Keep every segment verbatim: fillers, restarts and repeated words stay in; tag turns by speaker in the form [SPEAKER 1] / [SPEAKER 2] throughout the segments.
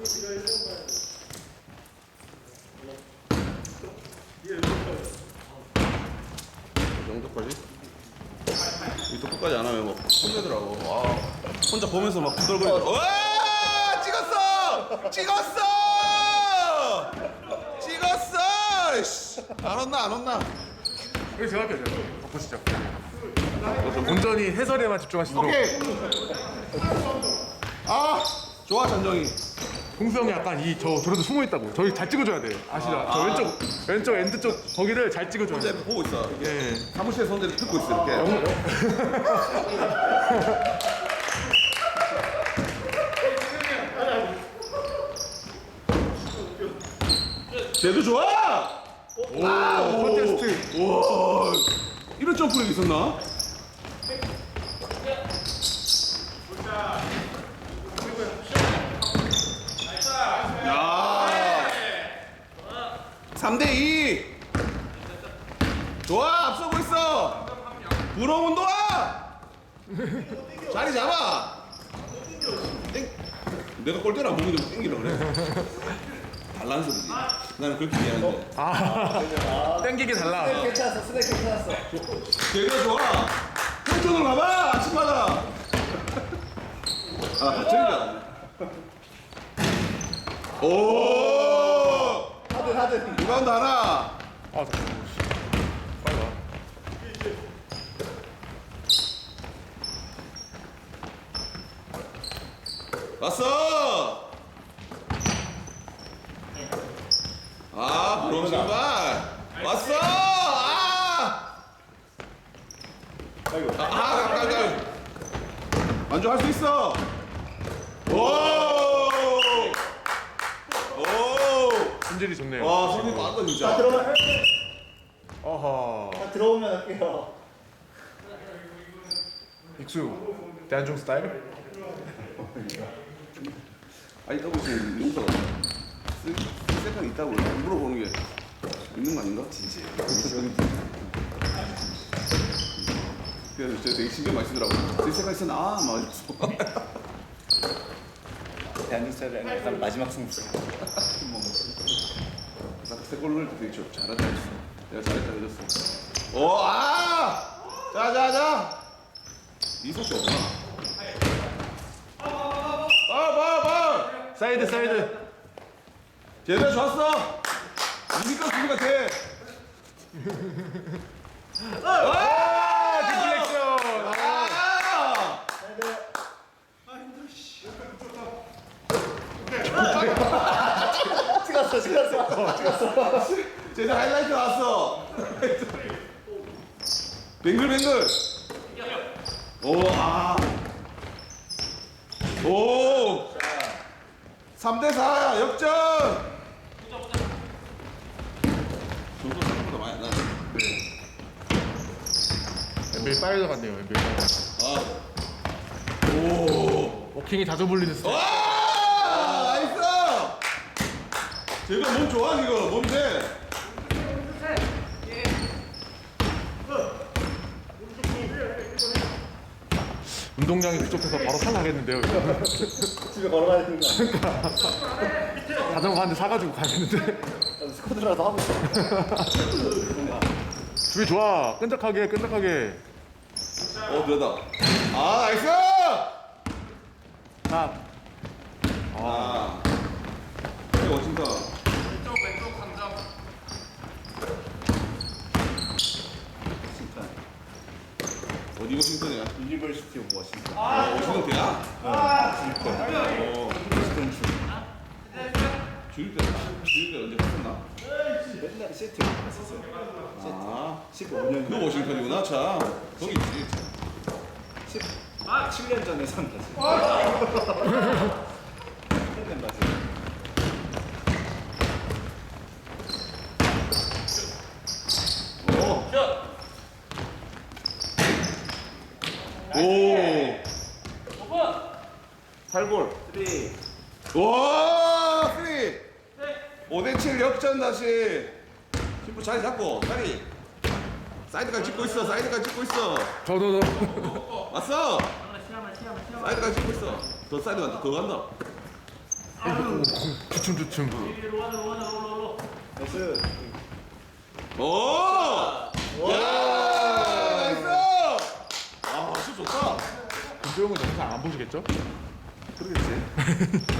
[SPEAKER 1] 이 정도까지? 이또 끝까지 안 하면 막 혼내더라고. 아, 혼자 보면서 막 부들거리더라고. 와! 찍었어! 찍었어! 찍었어! 씨. 안 혼나, 안 혼나.
[SPEAKER 2] 여기 제가 할게요. 제가. 보시죠. 온전히 해설에만 집중하시도록.
[SPEAKER 1] 오케이. 아, 좋아, 전정이.
[SPEAKER 2] 홍수 형이 약간 이 저 저런데 숨어 있다고. 저희 잘 찍어줘야 돼요. 아시죠?
[SPEAKER 1] 아,
[SPEAKER 2] 저
[SPEAKER 1] 아.
[SPEAKER 2] 왼쪽 왼쪽 엔드 쪽 거기를 잘 찍어줘야
[SPEAKER 1] 혼자
[SPEAKER 2] 돼요.
[SPEAKER 1] 보고 있어. 이렇게
[SPEAKER 2] 예.
[SPEAKER 1] 사무실에 손대를 듣고 있어, 이렇게. 쟤도 좋아!
[SPEAKER 2] 오, 컨테스트.
[SPEAKER 1] 와, 이런 점프력이 있었나? 야, 삼 대 이. 좋아, 앞서고 있어. 부러운 운동아. 자리 잡아. 땡. 내가 골대를 안 보기 좀 땡기라 그래. 달라는 소리지. 나는 그렇게 이해하는데.
[SPEAKER 2] 아, 땡기기 달라.
[SPEAKER 3] 스냅 괜찮았어. 스냅 괜찮았어.
[SPEAKER 1] 걔가 좋아. 펜션으로 가봐. 아침마다. 아, 저기다. 오.
[SPEAKER 3] 하드 하드.
[SPEAKER 1] 리바운드 하나.
[SPEAKER 2] 아, 잠깐만. 빨리 와.
[SPEAKER 1] 왔어. 아, 부러운 신발. 왔어. 아.
[SPEAKER 3] 아이고.
[SPEAKER 1] 아, 아, 가까이, 가까이. 만족할 수 있어. 오. 오.
[SPEAKER 2] 품질이 좋네요.
[SPEAKER 1] 와, 손이 빠르다
[SPEAKER 3] 자
[SPEAKER 1] 진짜.
[SPEAKER 3] 들어오면
[SPEAKER 2] 어허.
[SPEAKER 3] 자 들어오면 할게요.
[SPEAKER 2] 익수. 대한중 스타일?
[SPEAKER 1] 아니, 더블 지금 용서가 쓸 있다고 물어보는 게 있는 거 아닌가? 진짜. 그래서 저 되게 신경 많이 쓰더라고. 쓸 생각 있었나? 아, 막 이러면서.
[SPEAKER 3] 대한민국 스타일은 약간 마지막 승부.
[SPEAKER 1] 세 골 넣을 때 되게 좀 잘한다 했어. 내가 잘했다 해줬어. 오, 아! 자, 자, 자! 이속이 없구나. 봐, 봐, 봐!
[SPEAKER 2] 사이드 사이드.
[SPEAKER 1] 제대로 좋았어! 이니까 수비 같아!
[SPEAKER 2] 아, 디플렉션.
[SPEAKER 1] 아!
[SPEAKER 3] 찍었어 찍었어 찍었어.
[SPEAKER 1] 제대 하이라이트 나왔어! 뱅글뱅글! 오, 아! 오! 삼 대 사 역전! 점수 생각보다 많이 안 나네.
[SPEAKER 2] 엔비에이 파이더 같네요. 엔비에이 파이더.
[SPEAKER 1] 아. 오.
[SPEAKER 2] 워킹이 자주 불리는 스타일.
[SPEAKER 1] 와! 나이스! 제가 몸 좋아, 지금. 몸 돼.
[SPEAKER 2] 운동량이 부족해서 바로 탈락했는데요. 이거.
[SPEAKER 3] 집에 걸어가야 되는 거 아니야?
[SPEAKER 2] 자전거 한 대 사가지고 가야겠는데.
[SPEAKER 3] 스쿼드라도 하고 있어.
[SPEAKER 2] 주위 좋아. 끈적하게 끈적하게.
[SPEAKER 1] 어, 들어다. 아, 나이스!
[SPEAKER 2] 탑.
[SPEAKER 1] 아. 네, 멋진다. 어디 워싱턴이야?
[SPEAKER 3] 유니버시티 오브 워싱턴.
[SPEAKER 1] 아, 워싱턴 대야? 어.
[SPEAKER 3] 워싱턴 주.
[SPEAKER 1] 주일 때, 주일 때 언제 갔었나?
[SPEAKER 3] 맨날 시티 갔었어요.
[SPEAKER 1] 아.
[SPEAKER 3] 십오 년.
[SPEAKER 1] 그 워싱턴이구나, 참. 거기 있지.
[SPEAKER 3] 십칠 년 전에 산 거지. 팬된 바지.
[SPEAKER 1] 오. 오. 팔 골.
[SPEAKER 3] 쓰리.
[SPEAKER 1] 와, 쓰리. 오 대 칠 역전 다시. 신부 자리 잡고, 자리. 사이드까지 찍고 있어, 사이드까지 찍고 있어.
[SPEAKER 2] 저도 저.
[SPEAKER 1] 왔어. 사이드까지 찍고 있어. 더 사이드 간다, 더 간다.
[SPEAKER 2] 주춤주춤.
[SPEAKER 3] 나이스.
[SPEAKER 1] 오! 야! 나이스! 아, 진짜 좋다.
[SPEAKER 2] 김도영은 영상 안 보시겠죠?
[SPEAKER 1] 그러겠지.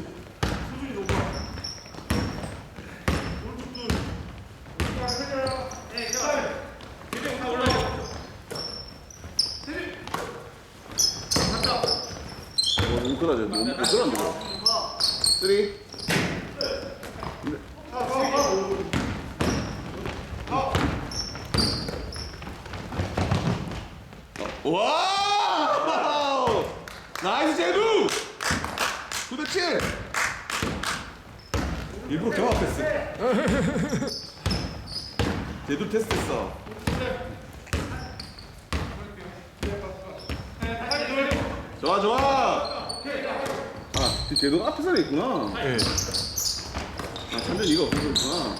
[SPEAKER 1] 어, 너무 그러죠. 너무 못 들었는데, 이거. 쓰리. 와! 나이스 제두! 구 대 칠! 일부러 경합했어. 제두 테스트했어. 좋아, 좋아! 아, 제두가 앞에 서에 있구나.
[SPEAKER 2] 네.
[SPEAKER 1] 아, 찬전이 이거 없어서 있구나.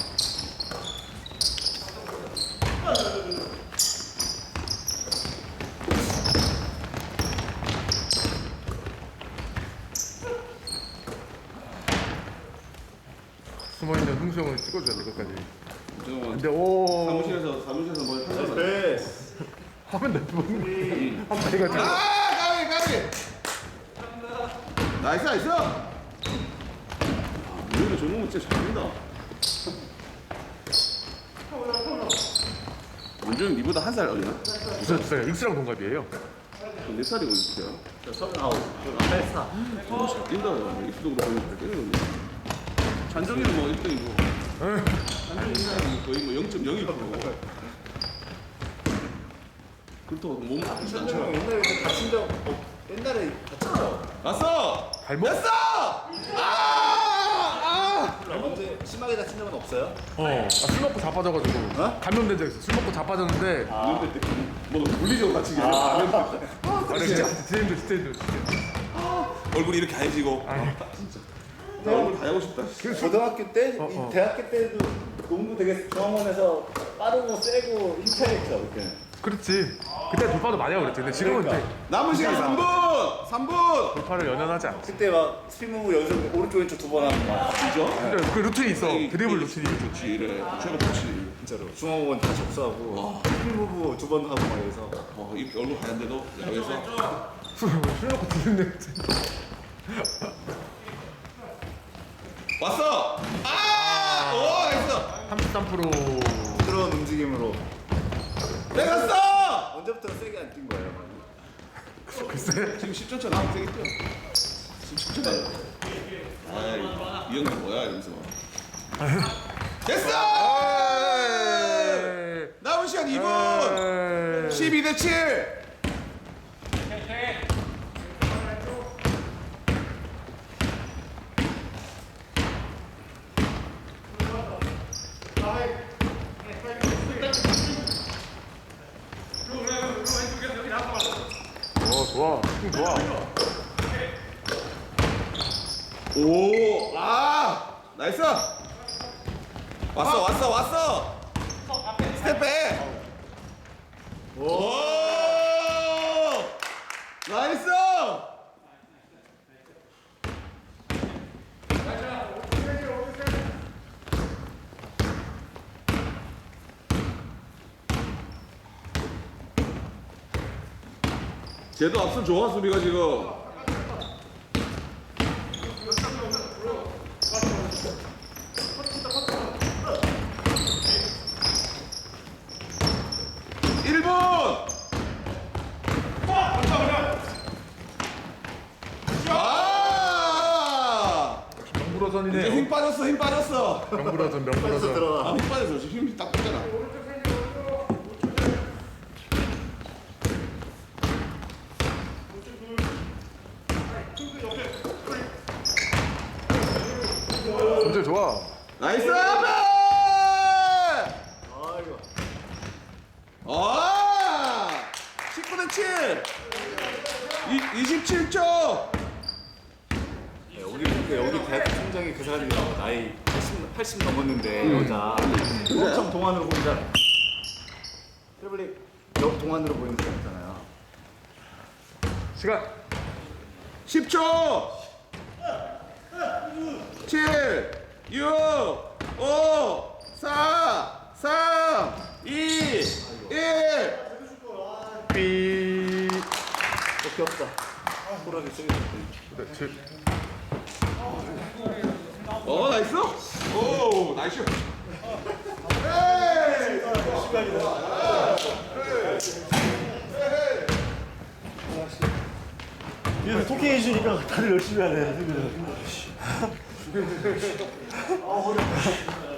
[SPEAKER 2] 숨어있는 흥수 형을 찍어줘야 돼 끝까지.
[SPEAKER 1] 잠깐만.
[SPEAKER 2] 근데 오.
[SPEAKER 1] 사무실에서, 사무실에서 뭘 하잖아.
[SPEAKER 3] 베스.
[SPEAKER 2] 화면 내보는 한 마리가
[SPEAKER 1] 아,
[SPEAKER 2] 돼.
[SPEAKER 1] 까비, 까비! 나이스, 나이스! 아, 우리는 저놈은 진짜 잘한다. 문종이 니보다 한 살 어리나?
[SPEAKER 2] 무슨 주사야? 익스랑 동갑이에요.
[SPEAKER 1] 몇 살이고 있어요?
[SPEAKER 3] 저 서른아홉. 팔사.
[SPEAKER 1] 너무 잘 뛴다. 입수도 그렇고 잘 뛰는 건데. 잔정이는 뭐 일 등이고. 잔정이는 거의 뭐 영 점 영일 퍼센트. 그렇다고 몸 아프지 않잖아.
[SPEAKER 3] 형 옛날에 그 다친 적 어, 옛날에 다친 적.
[SPEAKER 1] 왔어!
[SPEAKER 2] 발목?
[SPEAKER 1] 됐어! 아! 아!
[SPEAKER 3] 언제 심하게 다친 적은 없어요?
[SPEAKER 2] 어. 아, 술 먹고 자빠져가지고
[SPEAKER 3] 어?
[SPEAKER 2] 감염된 적 있어. 술 먹고 자빠졌는데.
[SPEAKER 1] 아. 이럴 때, 뭐, 물리적으로 다치게.
[SPEAKER 3] 아.
[SPEAKER 2] 아, 진짜 진짜 힘들어, 진짜 힘들어, 진짜.
[SPEAKER 1] 얼굴이 이렇게 하얘지고.
[SPEAKER 2] 아니.
[SPEAKER 1] 나 얼굴 다 하고 싶다.
[SPEAKER 3] 고등학교 때,
[SPEAKER 2] 어, 어.
[SPEAKER 3] 이 대학교 때도 농구 되게 중앙원에서 빠르고 세고 힘차겠죠, 그때.
[SPEAKER 2] 그렇지. 그때 돌파도 많이 하고 그랬지. 근데 지금은
[SPEAKER 3] 그러니까.
[SPEAKER 2] 이제
[SPEAKER 1] 남은 시간 삼 분! 삼 분!
[SPEAKER 2] 돌파를 연연하지 않지.
[SPEAKER 3] 그때 막 스피무브 연속 오른쪽 왼쪽 두 번 하는 거
[SPEAKER 1] 진짜?
[SPEAKER 2] 근데 그 루틴이 있어.
[SPEAKER 1] 이-
[SPEAKER 2] 드리블
[SPEAKER 1] 이-
[SPEAKER 2] 루틴이.
[SPEAKER 1] 좋지, 이래. 최고 좋지.
[SPEAKER 3] 진짜로. 중앙원 다 접수하고 스피무브 두 번 하고 막 이래서.
[SPEAKER 1] 어, 이렇게 얼굴 하얀데도 야외에서.
[SPEAKER 2] 술, 술 먹고 드는데.
[SPEAKER 1] 왔어! 아! 오, 나이스!
[SPEAKER 2] 삼십삼 퍼센트.
[SPEAKER 3] 부드러운 움직임으로.
[SPEAKER 1] 내가 갔어!
[SPEAKER 3] 언제부터 세게 안 뛴 거예요?
[SPEAKER 2] 글쎄.
[SPEAKER 1] 지금 십 초 차 나면 되겠죠? 지금 십 초 차. 아이, 이 형님 뭐야, 이러면서. 됐어! 남은 시간 이 분! 십이 대 칠!
[SPEAKER 2] 어, 좋아. 힘 좋아.
[SPEAKER 1] 오, 아, 나이스. 왔어, 왔어, 왔어. 스텝백. 오, 나이스. 쟤도 앞선 좋아 수비가 지금. 일 분! 아! 이제
[SPEAKER 2] 명불허전이네.
[SPEAKER 1] 힘 빠졌어, 힘 빠졌어.
[SPEAKER 2] 명불허전,
[SPEAKER 3] 벌써
[SPEAKER 2] 명불허전.
[SPEAKER 3] 들어가.
[SPEAKER 1] 아, 힘 빠졌어. 지금 힘이 딱 붙잖아.
[SPEAKER 2] 존재 좋아.
[SPEAKER 1] 나이스! 앞에!
[SPEAKER 3] 아이고.
[SPEAKER 1] 아! 십구 대 칠! 이, 이십칠 초!
[SPEAKER 3] 네, 여기 보니까 여기 대학 총장이 그 사람이 나이 팔십, 팔십 넘었는데 여자 엄청 동안으로 보인다. 트래블링 여 동안으로 보이는 사람 있잖아요.
[SPEAKER 2] 시간.
[SPEAKER 1] 십 초! 육, 오, 사, 삼, 이, 일.
[SPEAKER 2] 삐.
[SPEAKER 3] 어, 귀엽다. 호랑이 세게
[SPEAKER 2] 네, 제,
[SPEAKER 1] 어, 나이스. 오, 나이스.
[SPEAKER 4] 이래서 토킹 해주니까 다들 열심히 하네.